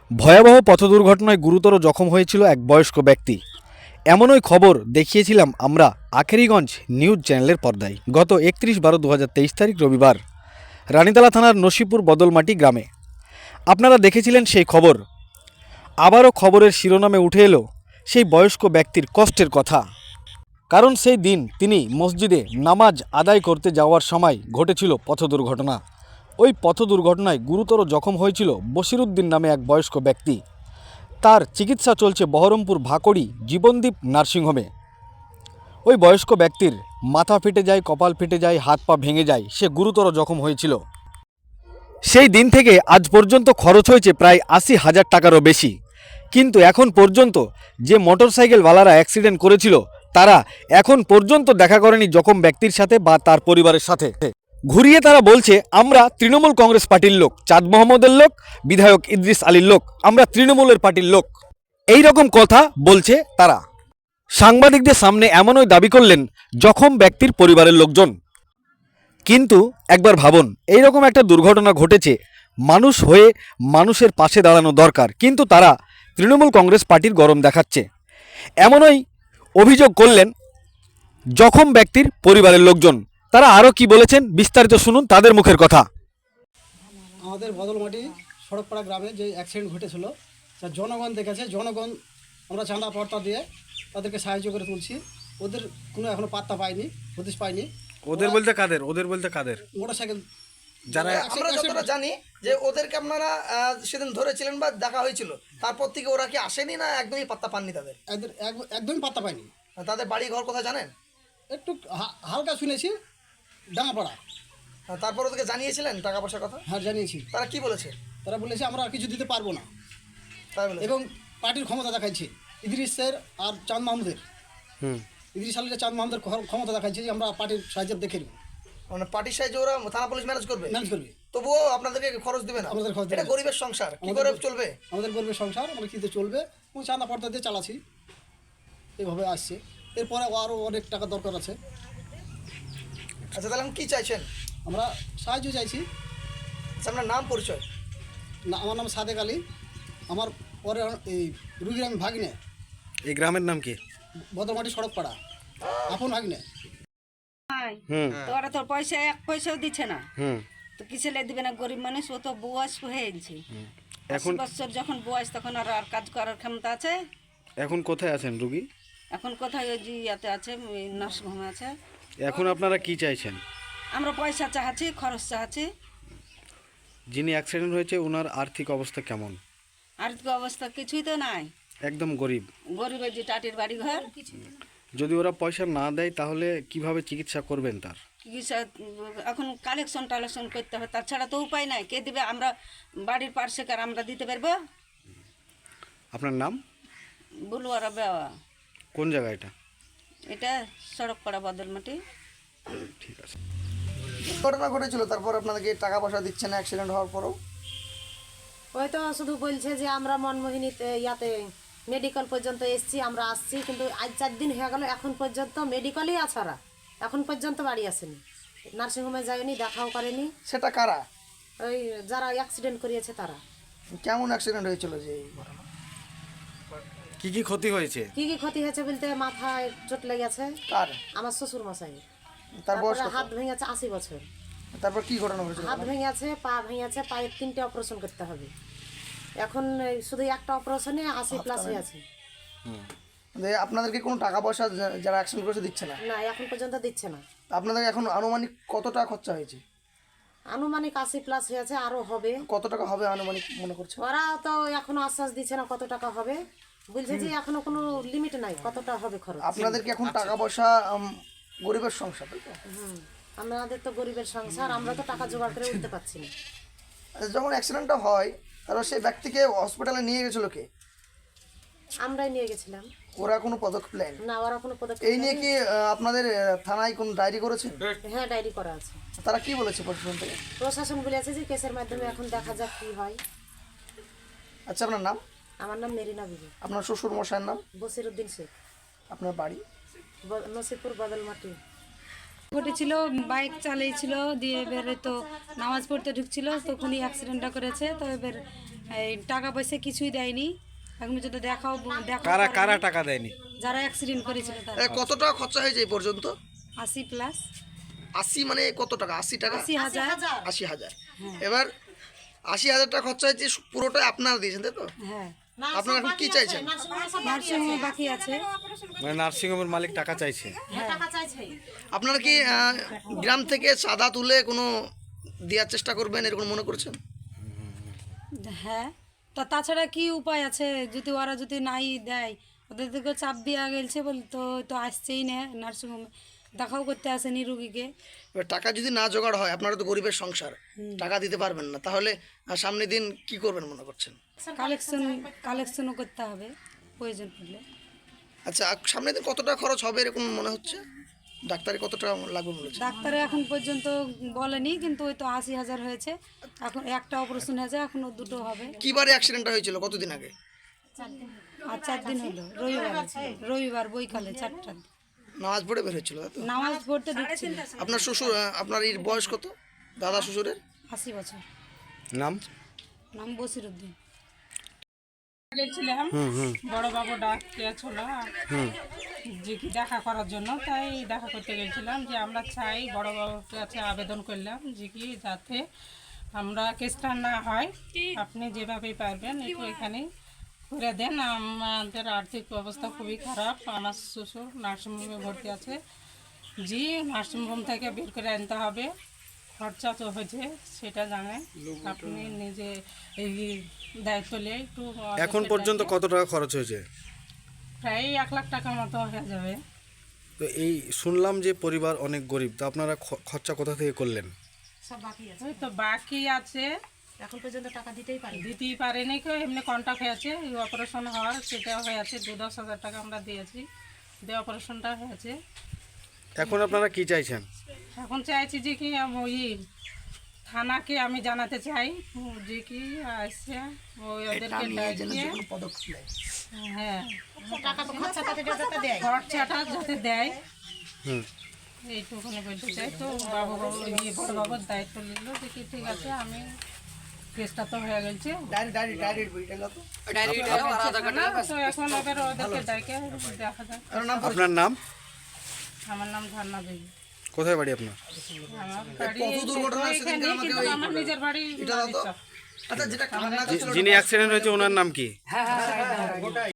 ভয়াবহ পথ দুর্ঘটনায় গুরুতর জখম হয়েছিল এক বয়স্ক ব্যক্তি। এমনই খবর দেখিয়েছিলাম আমরা আখেরিগঞ্জ নিউজ চ্যানেলের পর্দায় গত 31/12/2023 তারিখ রবিবার রানীতলা থানার নসিপুর বদলমাটি গ্রামে। আপনারা দেখেছিলেন সেই খবর। আবারও খবরের শিরোনামে উঠে এলো সেই বয়স্ক ব্যক্তির কষ্টের কথা। কারণ সেই দিন তিনি মসজিদে নামাজ আদায় করতে যাওয়ার সময় ঘটেছিল পথ দুর্ঘটনা। ওই পথ দুর্ঘটনায় গুরুতর জখম হয়েছিল বশিরউদ্দিন নামে এক বয়স্ক ব্যক্তি। তার চিকিৎসা চলছে বহরমপুর ভাকড়ি জীবনদীপ নার্সিংহোমে। ওই বয়স্ক ব্যক্তির মাথা ফেটে যায়, কপাল ফেটে যায়, হাত পা ভেঙে যায়, সে গুরুতর জখম হয়েছিল। সেই দিন থেকে আজ পর্যন্ত খরচ হয়েছে প্রায় 80,000 টাকারও বেশি। কিন্তু এখন পর্যন্ত যে মোটরসাইকেলওয়ালারা অ্যাক্সিডেন্ট করেছিল তারা এখন পর্যন্ত দেখা করেনি জখম ব্যক্তির সাথে বা তার পরিবারের সাথে। ঘুরিয়ে তারা বলছে আমরা তৃণমূল কংগ্রেস পার্টির লোক, চাঁদ মোহাম্মদের লোক, বিধায়ক ইদ্রিস আলীর লোক, আমরা তৃণমূলের পার্টির লোক, এই রকম কথা বলছে তারা। সাংবাদিকদের সামনে এমনই দাবি করলেন জখম ব্যক্তির পরিবারের লোকজন। কিন্তু একবার ভাবুন, এইরকম একটা দুর্ঘটনা ঘটেছে, মানুষ হয়ে মানুষের পাশে দাঁড়ানো দরকার, কিন্তু তারা তৃণমূল কংগ্রেস পার্টির গরম দেখাচ্ছে। এমনই অভিযোগ করলেন জখম ব্যক্তির পরিবারের লোকজন। তারা আরও কি বলেছেন বিস্তারিত শুনুন তাদের মুখের কথা। আমাদের বদলমাটি সড়কপাড়া গ্রামে যে অ্যাক্সিডেন্ট ঘটেছিল তা জনগণ দেখেছে। জনগণ আমরা চাঁদা পর্তা দিয়ে তাদেরকে সাহায্য করে তুলছি। ওদের কোনো এখনো পাত্তা পাইনি, হদিশ পাইনি। ওদের বলতে কাদের? ওদের বলতে কাদের? মোটরসাইকেল যারা আমরা যতটা জানি যে ওদেরকে আপনারা সেদিন ধরেছিলেন বা দেখা হয়েছিল, তারপর থেকে ওরা কি আসেনি না একদমই পাত্তা পাননি তাদের? একদমই পাত্তা পাইনি। তাদের বাড়ি ঘর কোথায় জানেন? একটু হালকা শুনেছি, ডাঙাপাড়া। তারপর ওদেরকে জানিয়েছিলেন টাকা পয়সার কথা? হ্যাঁ জানিয়েছি। তারা কি বলেছে? তারা বলেছে আমরা আর কিছু দিতে পারবো না, তাই বলেছে। এবং পার্টির ক্ষমতা দেখাচ্ছে ইদ্রিসের আর চাঁদ মাহমুদের। ইদ্রিস আলীর চাঁদ মাহমুদের ক্ষমতা দেখাচ্ছে যে আমরা পার্টির সাহায্য দেখে নেব। মানে পার্টির সাহায্যে ওরা থানা পুলিশ ম্যানেজ করবে? ম্যানেজ করবে। তবুও আপনাদেরকে খরচ দিবে না? আমাদের খরচ এটা দেবে। গরিবের সংসার, কি করে চলবে? আমাদের গরিবের সংসার, আমরা কীতে চলবে? এবং চাঁদা পর্দা দিয়ে চালাচ্ছি, এইভাবে আসছে। এরপরে আরও অনেক টাকা দরকার আছে। আচ্ছা, তাহলে কি চাইছেন? আমরা সাহায্য চাইছি। আচ্ছা, আপনার নাম পরিচয়? না, আমার নাম সাদেক আলী। আমার পরে এই রুগীর আমি ভাগিনে। এই গ্রামের নাম কি? বদলমাটি সড়কপাড়া, আপন ভাগিনে। তো ওরা তোর পয়সা এক পয়সাও দিচ্ছে না, তো কিসে দিবে না? গরিব মানুষ, ও তো বয়স হয়েছে। এখন বছর যখন বয়স তখন আর আর কাজ করার ক্ষমতা আছে? এখন কোথায় আছেন রুগী? এখন কোথায় ওই যে ইয়াতে আছে, নার্সিংহোমে আছে। এখন আপনারা কি চাইছেন? আমরা পয়সা চাচ্ছি, খরচ চাচ্ছি। যিনি অ্যাক্সিডেন্ট হয়েছে ওনার আর্থিক অবস্থা কেমন? আর্থিক অবস্থা কিছুই তো নাই, একদম গরিব। গরিবের যে টাটির বাড়ি ঘর। যদি ওরা পয়সা না দেয় তাহলে কিভাবে চিকিৎসা করবেন তার? চিকিৎসা এখন কালেকশন টালেকশন করতে হবে, তাছাড়া তো উপায় নাই। কে দিবে? আমরা বাড়ির পার্শ্বেকার আমরা দিতে পারবো? আপনার নাম? বুলুয়ারা বেওয়া। কোন জায়গা এটা? এটা সড়কপাড়া বদলমাটি। ঠিক আছে। ঘটনা ঘটেছিল, তারপর আপনাদেরকে টাকা পয়সা দিচ্ছে না অ্যাক্সিডেন্ট হওয়ার পরও? ওই তো শুধু বলছে যে আমরা মনমোহিনীতে ইয়াতে মেডিকেল পর্যন্ত এসছি, আমরা আসছি, কিন্তু আজ 4 দিন হয়ে গেল এখন পর্যন্ত মেডিকেলেই আছে। ওরা এখন পর্যন্ত বাড়ি আসেনি, নার্সিংহোমে যায়নি, দেখাও করেনি। সেটা কারা? ওই যারা অ্যাক্সিডেন্ট করিয়েছে তারা। কেমন অ্যাক্সিডেন্ট হয়েছিল যে এই ঘটনা? কি কি ক্ষতি হয়েছে? কি কি ক্ষতি হয়েছে বলতে মাথায় চোট লেগেছে কার? আমার শ্বশুর মশাই। তার বয়স তারপরে কত? হাত ভেঙেছে, 80 বছর। তারপর কি ঘটনা ঘটেছিল? হাত ভেঙেছে, পা ভেঙেছে, পায়ের 3টে অপারেশন করতে হবে। এখন এই শুধু একটা অপারেশনে 80+ হয়ে আছে। আপনাদেরকে কোনো টাকা পয়সা যারা অ্যাক্সিডেন্ট করেছে দিচ্ছে না? না, এখন পর্যন্ত দিচ্ছে না। আপনাদের এখন আনুমানিক কত টাকা খরচা হয়েছে? আনুমানিক 80+ হয়েছে, আরো হবে। কত টাকা হবে আনুমানিক মনে করছে? ওরা তো এখনো আশ্বাস দিচ্ছে না কত টাকা হবে, বলছে যে এখনো কোনো লিমিট নাই কতটা হবে খরচ। আপনাদেরকে এখন টাকা পয়সা গরিবের সংসার, তাই তো? আমাদের তো গরিবের সংসার, আমরা তো টাকা জোগাড় করে উঠতে পারছি না। যখন অ্যাক্সিডেন্টটা হয় তারপর সেই ব্যক্তিকে হসপিটালে নিয়ে গেছিল কে? আমরাই নিয়ে গেছিলাম। ওরা কোনো পদক্ষেপ নেয়নি? না, ওরা কোনো পদক্ষেপ এই নিয়ে কি আপনাদের থানায় কোনো ডায়েরি করেছেন? হ্যাঁ, ডায়েরি করা আছে। তারা কি বলেছে প্রশাসন থেকে? প্রশাসন বলেছে যে কেসের মাধ্যমে এখন দেখা যাক কি হয়। আচ্ছা, আপনার নাম? আমার নাম মেরিনা বিবি। আপনার শ্বশুর মশাইয়ের নাম? বসিরউদ্দিন শেখ। আপনার বাড়ি? নসিপুর বদলমাটি। ঘটেছিল, বাইক চালিয়েছিল, দিয়ে এবারে তো নামাজ পড়তে ঢুকছিল, তখনই অ্যাক্সিডেন্টটা করেছে। তো এবার এই টাকা পয়সা কিছুই দেয়নি এখন পর্যন্ত দেখা কারা কারা টাকা দেয়নি? যারা অ্যাক্সিডেন্ট করেছিল তারা কত টাকা খরচা হয়েছে এই পর্যন্ত? 80+। 80 মানে কত টাকা? 80 টাকা, 80,000। 80,000। এবার 80,000 টাকা খরচা হয়েছে, পুরোটাই আপনারা দিয়েছেন তাই তো? হ্যাঁ, আপনারা এখন কি চাইছেন? নার্সিংহোমে বাকি আছে। মানে নার্সিংহোমের মালিক টাকা চাইছে। আপনারা কি গ্রাম থেকে চাঁদা তুলে কোনো দেওয়ার চেষ্টা করবেন এরকম মনে করছেন? হ্যাঁ, তাছাড়া কি উপায় আছে? যদি ওরা যদি নাই দেয়, ওদের থেকে চাপ দেওয়া গেছে বলে তো আসছেই না নার্সিংহোমে, দেখাও করতে আসেনি রুগীকে। এবার টাকা যদি না জোগাড় হয়, আপনারা তো গরিবের সংসার, টাকা দিতে পারবেন না, তাহলে সামনের দিন কি করবেন মনে করছেন? কালেকশনও করতে হবে প্রয়োজন পড়লে। আচ্ছা, সামনের দিন কত টাকা খরচ হবে এরকম মনে হচ্ছে? ডাক্তারে কত টাকা লাগবে মনে হচ্ছে? ডাক্তারে এখন পর্যন্ত বলেনি, কিন্তু ওই তো 80,000 হয়েছে। এখন একটা অপারেশন হয়েছে, এখনও 2টো হবে। কিবারে অ্যাক্সিডেন্টটা হয়েছিল, কতদিন আগে? আর 4 দিন হলো, রবিবার বৈকালে 4টার দিকে। নামাজ পড়ে বের হয়েছিল তাই তো? নামাজ পড়তে ঢুকছিল। আপনার শ্বশুর, আপনার এর বয়স কত? দাদা শ্বশুরের 80 বছর। নাম? নাম বসিরউদ্দিন। গেছিলাম বড় বাবু ডাকিয়েছিল যে কি দেখা করার জন্য, তাই দেখা করতে গেছিলাম। যে আমরা চাই, বড় বাবুর কাছে আবেদন করলাম যে কি যাতে আমরা কেসটা না হয়, আপনি যেভাবেই পারবেন একটু এখানে করে দেন। আমাদের আর্থিক অবস্থা খুবই খারাপ। আমার শ্বশুর নার্সিংহোমে ভর্তি আছে, জি নার্সিংহোম থেকে বের করে আনতে হবে। খরচা তো হয়েছে সেটা জানেন, আপনি নিজে এই দায়িত্ব নিয়ে একটু এখন পর্যন্ত কত টাকা খরচ হয়েছে? প্রায় 1 লাখ টাকার মতো হয়ে যাবে। তো এই শুনলাম যে পরিবার অনেক গরিব, তো আপনারা খরচা কোথা থেকে করলেন? ওই তো বাকি আছে, এখন পর্যন্ত টাকা দিতেই পারি। দিতেই পারেনি কেউ, এমনি কন্ট্যাক্ট হয়েছে অপারেশন হওয়ার, সেটা হয়েছে 2-10 হাজার টাকা আমরা দিয়েছি, দিয়ে অপারেশনটা হয়েছে। এখন আপনারা কি চাইছেন? এখন চাইছি যে কি ওই থানাকে আমি জানাতে চাই যে কি আসছে ওই ওদেরকে ডাকিয়ে, হ্যাঁ খরচাটা যাতে দেয়, এইটুকুনি বলতে চাই। তো বড় বাবুর দায়িত্ব নিল যে কি ঠিক আছে, আমি কেসটা তো হয়ে গেছে, তো এখন ওদেরকে ডাকে দেখা যাক। আপনার নাম? আমার নাম ঝর্ণা দেবী। কোথায় বাড়ি আপনার? আমার বাড়ি কত দুর্ঘটনা হয়েছে এখানে, দিনকে আমাকে কিন্তু আমার নিজের বাড়ি এটা দাও তো। আচ্ছা, যেটা কান্না করছিল যিনি অ্যাক্সিডেন্ট হয়েছে ওনার নাম কি?